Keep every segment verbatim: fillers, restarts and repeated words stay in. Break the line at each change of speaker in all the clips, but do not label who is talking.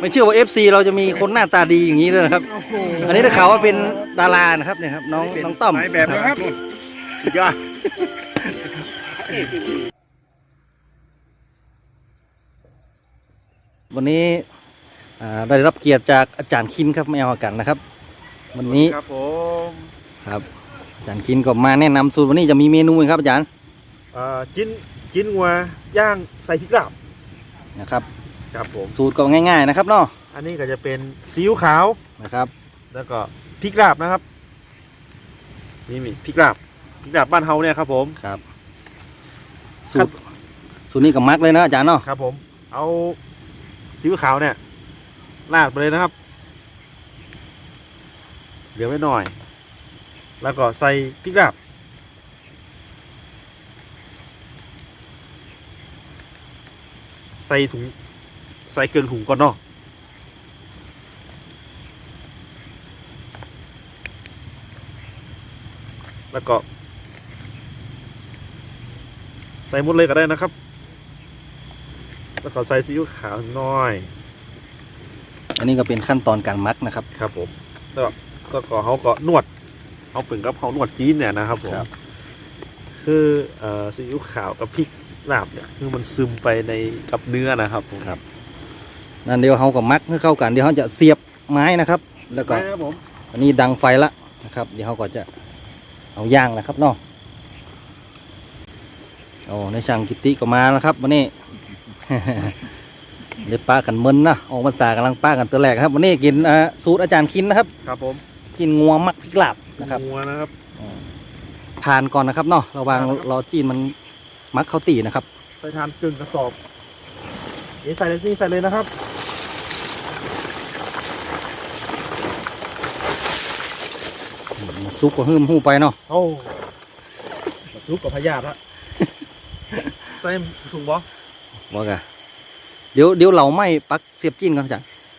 ไม่เชื่อว่า เอฟ ซี เราจะมีคนหน้าตาดีอย่างนี้ด้วยนะครับอันนี้ได้ข่าวว่าเป็นดารานะครับเนี่ยครับน้องน้องต้อม
แบบนะครับยอด
วันนี้ได้รับเกียรติจากอาจารย์คินครับไม่เอากันนะครับวันนี้
ครับผม
ครับอาจารย์คินก็มาแนะนำสูตรวันนี้จะมีเมนูครับอาจารย์
จิ้นจิ้นงัวย่างใส่พริกลาบ
นะครับ
ครับผม
สูตรก็ง่ายๆนะครับเนาะ
อันนี้ก็จะเป็นซีอิ๊วขาว
นะครับ
แล้วก็พริกลาบนะครับนี่มีพริกลาบพริกลาบบ้านเฮาเนี่ยครับผม
ครับสูตรสูตรนี้ก็มักเลยนะอาจารย์เนาะ
ครับผมเอาซีอิ๊วขาวเนี่ยราดไปเลยนะครับเหลือไว้หน่อยแล้วก็ใส่พริกลาบใส่ถุงใส่เกลือถุงก่อนเนาะแล้วก็ใส่หมดเลยก็ได้นะครับแล้วก็ใส่ซีอิ๊วขาวน้อย
อันนี้ก็เป็นขั้นตอนการมักนะครับ
ครับผมแล้วก็ก็เขาก็นวดเอาเป็นกับเขานวดจีนเนี่ยนะครับผมคือเอ่อซีอิ๊วขาวกับพริกลาบเนี่ยคือมันซึมไปในกับเนื้อนะครับผม
ครับนั่นเดี๋ยวเขาก็มักให้เข้ากันเดี๋ยวเขาจะเสียบไม้นะครับแล้วก็อันนี้ดังไฟละนะครับเดี๋ยวเขาก็จะเอาย่างนะครับเนาะโอ้ในช่างกิติก็มาแล้วครับวันนี้ เดี๋ยวป้ากันมึนนะออกพรรษากำลังป้ากันตัวแรกครับวันนี้กินสูตรอาจารย์คินนะครับ
ครับผม
กินงัวมักพริกลาบนะครับ
งัวนะครับ
ทานก่อนนะครับเนาะระวังรอจีนมันมักข้าวตีนะครับ
ใส่ทานกึ่งกระสอบนี่ใส่เลยนี่ใส่เลยนะครับ
ซุปก็หืมหูไปเนาะ
โอ้ซุปกับพยาธิละใส่ถุงบอ
บอกอะเดี๋ยวเดี๋ยวเราไม่ปักเสียบจีนกันจ้ะ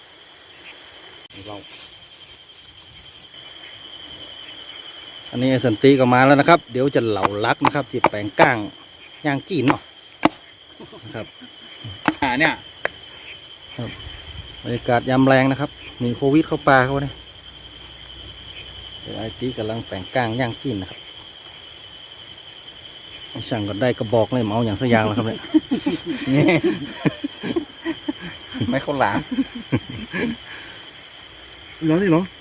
อันนี้สันติก็มาแล้วนะครับเดี๋ยวจะเหลาลักนะครับที่แปลงก้างย่างจีนเนาะนะครับ
อ่าเนี่ย
บรรยากาศยามแรงนะครับมีโควิดเข้าป่าเขาเนี่ยเดี๋ยวไอตีกำลังแปลงก้างย่างจีนนะครับช่างก็ได้กระบอกเลยเมาอย่างสักอย่างแล้วครับเนี่ยไม่เข้าหลาม
ร้อนนี่เหรอ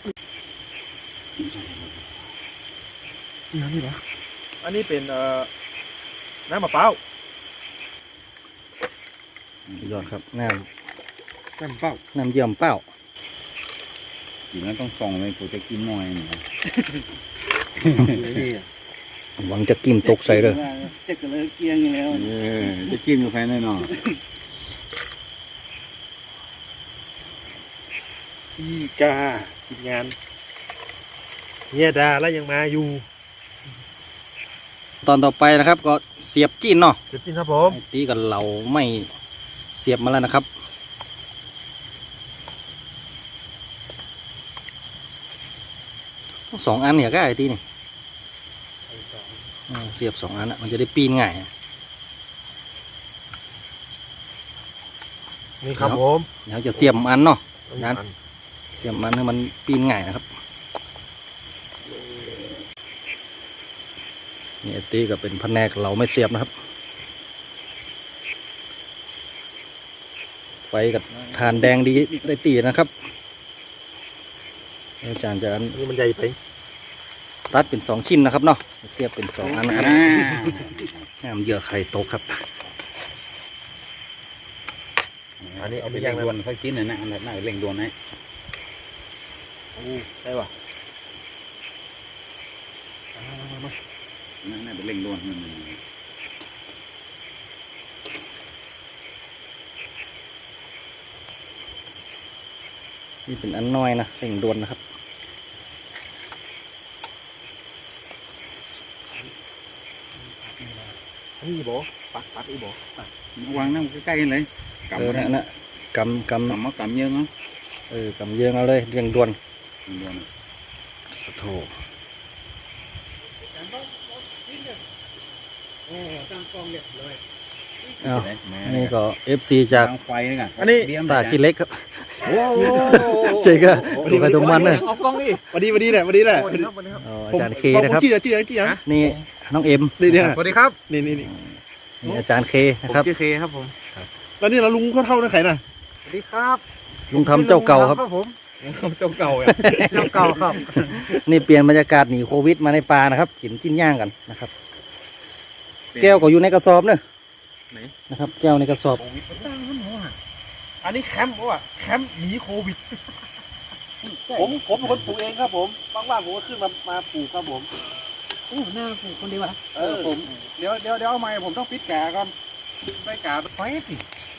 ร้อนนี่เหรออันนี้เป็นเอ่อน้ำมะพร้าวย
อดครับน้
ำน้ำเป้า
น้ำเยี่ยมเป้า
กินแล้วต้องส่องเลยผมจะกินหน่อยนี่
หวังจะกิมตกใส่เลย
จะกระเลยเกียงอยู่แล้วเออจะกินอยู่ภายในหน่อย
อีกาทีมงานเฮียดาแล้วยังมาอยู่
ตอนต่อไปนะครับก็เสียบจีนเนาะ
เสียบจีนครับผม
ตีกับเราไม่เสียบมาแล้วนะครับสองอันเนี่ยก็ไอ้ตีนี่เสียบสองอันมันจะได้ปีนง่าย
นี่ครับผม
เดี๋ยวจะเสียบอันเนาะนั้นเสียบอันให้มันปีนง่ายนะครับนี่ตีก็เป็นแผนกเราไม่เสียบนะครับไฟกับทานแดงดีได้ตีนะครับอาจารย์จะ
นี่มันใหญ่ไป
ตัดเป็นสองชิ้นนะครับเนาะเสียบเป็นสองอันนะครับน้ำเยื่อไข่ตกครับ
อันนี้เอาไปเร่งด่วนสักชิ้นหน่อยนะอันนั้นน่าเร่งด่วนนะ
ได้ป่ะ
น่าเป็นเร่งด่วนมัน
นี่เป็นอันน้อยนะเร่งด่วนนะครับ
นี่บ่ปัดปัดอีบ่
วางน้ำใกล้ๆกันเลย
กำนะนะกำกำ
กำมากำเยอะเนาะ
เออกำเยอะเอาเลยเร่งด่วน
ด่วน
โถอันนี้ก็ เอฟ ซี จาก
ไฟนี่ไง
อันนี้ตาขี้เล็กครับเจ๊ก็ตัวใครตัวมันเลย
เอากล้องดิ
วันนี้วันนี้แหละวันนี้แหละ
อ๋ออาจารย์เคนะครับ
ชื่อชื่อชื่อยัง
นี่น้องเอ็ม
นี่เนี่ย
สวัสดีครับ
นี่นี่นี่
นี่อาจารย์เค
ผม
นะครับ
ชื่อเคครับผม
แล้วนี่เราลุงเขาเท่านั่นใครน่ะ
สวัสดีครับ
ลุงทำเจ้าเก่าครับ
ผมเจ้าเก่าเจ้าเก่าครับ
นี่เปลี่ยนบรรยากาศหนีโควิดมาในป่านะครับกินจิ้นย่างกันนะครับ แก้วก็อยู่ในกระสอบเนอะนะครับ แก้วในกระสอบ
อันนี้แคมป์ว่ะแคมป์หนีโควิดผมผมเป็นคนปลูกเองครับผมว่างๆผมก็ขึ้นมามาปลูกครับผม
โอ้หน้าผูกคนเดียวนะ
เออ
ผมเดี๋ยวเดี๋ยวเดี๋ยวเอาไม้ผมต้องปิดแกะก่อนได้แกะไฟสิ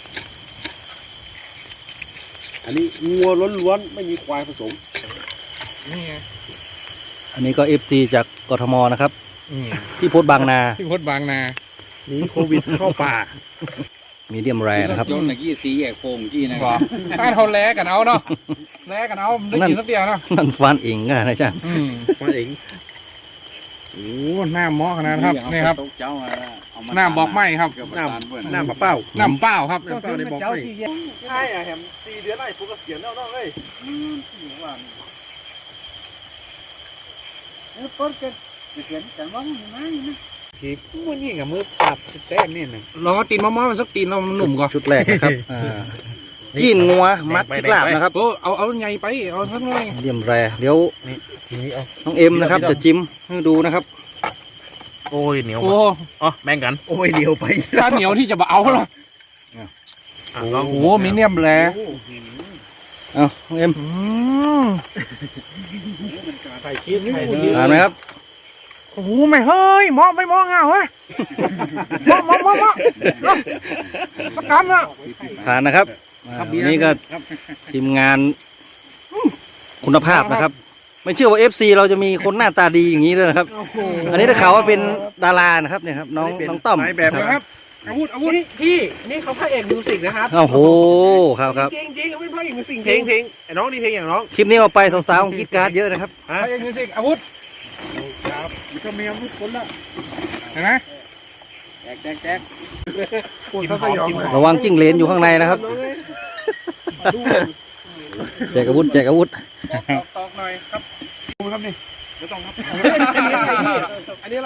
อันนี้งัวล้วนๆไม่มีควายผสม
นี่ไง
อันนี้ก็เอฟซีจากกทมนะครับ
อืม
ที่โพสต์บางนา
ที่พดบางนา
หนีโควิดเข้าป่า
มีเดียมแรนะครับ
ยนต์ตะกี้สีแยกโค้งกี้นะ
บอกถ้าเขาแลกันเอาเนาะแลกันเอาได้กินสักเดียวเนาะ
นั่นฟันเองกันนะจ๊ะ
อืม
มาเอง
โอ้หน้าหม้อขนาดนั้นครับนี่ครับ
เจ้า
หน้าบอกไม่ครับ
น้ำน้ำมะเป้า
น้ำเปล่าครับ
น้ำเป้าในบอกไม่ใช่อะแฮมสี่เดือนไอ้ปุ๊กก็เสียแล้วน้องเอ้ย พี่มันนี่กับมือปรับแต้มนี่นะ
ลองเอาตีนมะม่วงมาสักตีนเราหนุ่มก่อน
ชุดแรกนะครับอ่าจีนงัวมัดกลาบนะครับ
โอ้เอาเอาใหญ่ไปเอาสักหน่อย
เดียมแรเดี๋ยว
ทีนี้เอา
น้องเอ็มนะครับ จะจิ้มให้ดูนะครับ
โอ้ยเหนียว
โอ้
อ๋อแบ่งกันโอ้ยเดียวไป
ถ้าเหนียวที่จะมาเอาเหรอ
ลอง
โอ้โหมีเนียมแล
เอาน้องเอ็ม
อืม
ใส่ชีสใส่เนื้อ
อ่านไหมครับ
โอ้โหไม่เฮ้ยมองไม่มองอ่ะเฮ้ยมองมองมองมองสักคำละ
ผ่านนะครับอ่าวันนี้ก็ทีมงานคุณภาพนะครับ ไม่เชื่อว่า เอฟ ซี เราจะมีคนหน้าตาดีอย่างนี้ด้วยนะครับ
โอ้โห
อันนี้ได้ข่าวว่าเป็นดารานะครับเนี่ยครับน้องน้องต้อม
นายแบบ
เดี๋ยว
นะ
ค
ค
รั
รั
บบ อาวุธอาวุธ
พี่นี่เขาพระเอกมิวสิกนะครับ
โอ้โหครับครับ
จริงจริงเขาเป็นพระเอกมิวสิก
เพลงเพลงไอ้น้องนี่เพลงอย่างน้อง
คลิปนี้เอาไปสาวๆของคิดการ์ดเยอะนะครับ
ฮะ
พระเอกมิวสิกอาวุธก็มีอาวุธคนละเห็นไหม
แจกแจกแจก
กินหอมกินหอม
ระวังจิ้งเหลนอยู่ข้างในนะครับแจกอาวุธแจกอาวุธ
ตอกหน่อยครับ
ดูครับนี่ไม่ต้องครับ
อันนี้อะไร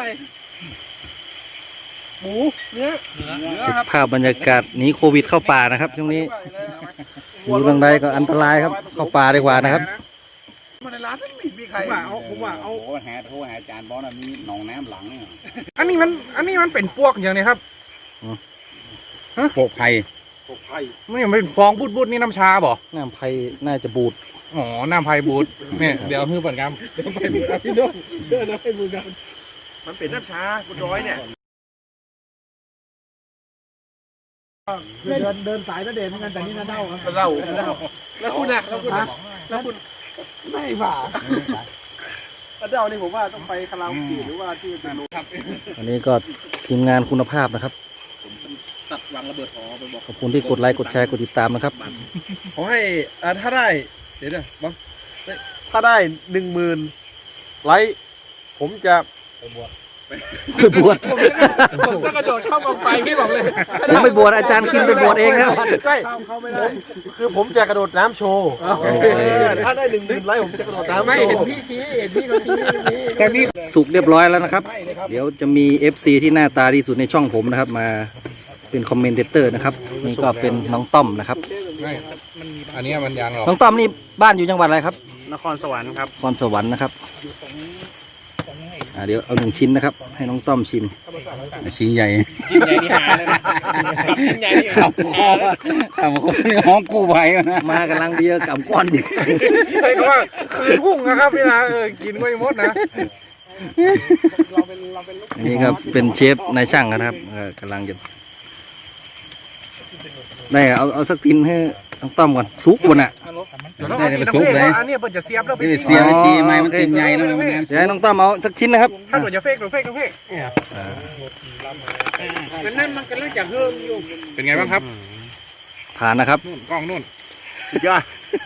หมูเนื้อ
เนื้อครับ
ภาพบรรยากาศหนีโควิดเข้าป่านะครับช่วงนี้อยู่ทางใดก็อันตรายครับ เข้าป่าดีกว่านะครับ
มาในร้านไม่มีใครผมว่าเอาผมว่าเอา
โอ้แห่โทรหาอาจารย์บอสนะมีหนองน้ำหลังเนี่ย
อันนี้มันอันนี้มันเป็นพวกอย่างนี้ครับ
โปกไผ่
ปกไผ่
มันยังเป็นฟองบูดๆนี่น้ำชาบ่
น้ำไผ่น่าจะบูด
อ๋อน้ำไผ่บูดเนี่ยเดี๋ยวฮื้อเปิดกำ
พี่น้องเดินแล้วให้มือกันมันเป็นน้ำชาบนดอยเนี่ย
เดินเดินสายตะเด่นเหมือนกันแต่นี่น่าเด้าครับ
เรา
แล้วคุณอะแล้วคุณอะแล้วคุณไม่ผ่า
เดานี่ผมว่าต้องไปคาราโอเกะหรือว่าที่เป็นโรง
อันนี้ก็ทีมงานคุณภาพนะครับ
ตัดวางระเบิดหอไปบอก
ขอบคุณที่กดไลค์กดแชร์กดติดตามนะครับ
ขอให้อ่าถ้าได้เดี๋ยวนะบ้างถ้าได้หนึ่งหมื่นไลค์ผมจะ
ไปบวช
ผมจะกระโดดเข้ากองไฟพี่บอกเลย
ผมไปบวชอาจารย์คิงไปบวชเองครับ
ใช่
เข้าไม่ได้
คือผมจะกระโดดน้ำโชว์
โอเค
เออถ้าได้หนึ่งหมื่นไลค์ผมจะกระโดดน้ำ
ไม่
โช
เห็น
ว์
พี่ชี้เห็นพี่เขาชี้ชี้
แต่นี่
สุกเรียบร้อยแล้วนะครับ เดี๋ยวจะมี เอฟ ซี ที่หน้าตาดีสุดในช่องผมนะครับ มาเป็นคอมเมนเตอร์นะครับนี่ก็เป็นน้องต้อมนะครับ
ไม่อันนี้มันยางหรอก
น้องต้อมนี่บ้านอยู่จังหวัดอะไรครับ
นครสวรรค์ครับ
นครสวรรค์นะครับอ่าเดี๋ยวเอาหนึ่งชิ้นนะครับ ให้น้องต้อมชิม
ชิ้นใหญ่
กินใหญ่นี่หาเลยนะกินใหญ่นี่
ขับคอขับคอนี่ห้องกู้ภัยนะ
มากำลังเบียร์กับก้อนดิ
ใช่ก็ว่าคืนพุ่งนะครับพี่นะเออกินไม่หมดนะ
อันนี้ก็เป็นเชฟนายช่างนะครับเออกำลังจะได้เอาเอาสักทินให้น้องต้อมก่อนซุกก่อนอ่ะ
เดี๋ยวต้องเอาน้ำเฟกอันนี้เปิดจะเสียบแล้วไป
ไม่ได้เสียไปจีไม่มันติดใหญ่นะมัน
เดี๋ยวให้น้องต้อมเอาสักชิ้นนะครับ
ถ้าตัวจะเฟกตัวเฟกตัวเฟก
มันนั่นมันกำลังจะเฮิ่มอยู่
เป็นไงบ้างครับ
ผ่านนะครับ
นู่นกล้องนู่น
สุดยอด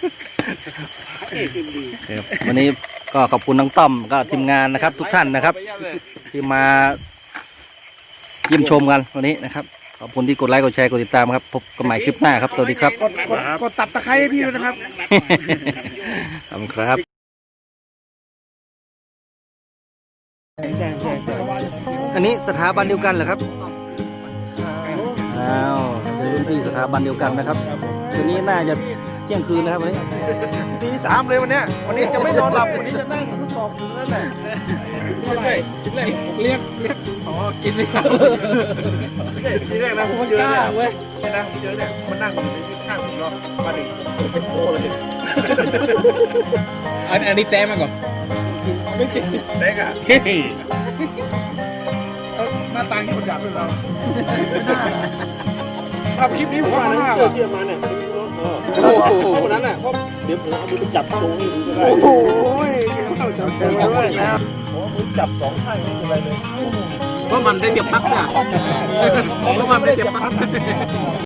ครับวันนี้ก็ขอบคุณน้องต้อมก็ทีมงานนะครับ ทุกท่านนะครับ ที่มาเยี่ยมชมกันวันนี้นะครับขอบคุณที่กดไลค์กดแชร์กดติดตามครับพบกันใหม่คลิปหน้าครับสวัสดีครับ
กดกดกดตับตะไคร้ให้พี่ด้วยนะครับ
ขอบคุณครับอันนี้สถาบันเดียวกันเหรอครับอ้าวเจอรุ่นพี่สถาบันเดียวกันนะครับคืนนี้น่าจะเที่ยงคืนนะครับวันนี้
ตีสามเลยวันเนี้ยวันนี้จะไม่นอนหลับวันนี้จะนั่งทดสอบอยู่นั่นแหละ
เรียกเรียกอ๋อกินไม่เข้า
ทีแรกนะผมเจอเนี่ยเว้ยนะผมเจอเนี่ยมันนั่งอยู่ในข้างผมเนาะมาถึงเป็นโคเลย
อันอันนี้แต้มาก่อนไม่กิน
เล็กอ่ะ
เฮ้ย
หน้าตาที่คนจับเลยเรา
ทำคลิปนี้ผม
ว่า
ว่า
นั้น
มาก
เจอเที่ยมาเนี่ยวันนั้นอ่ะเพราะเดี๋ยวผมเอามือไปจับโชว์ให้ดูก็ได้โอ้โหเข้าจับโชว์ด้วยนะโอ้มือจับสองข้างไม่เป็นไรเลย
เพราะมันได้เสียบปลั๊กอ่ะเพราะมันได้เสียบปลั๊ก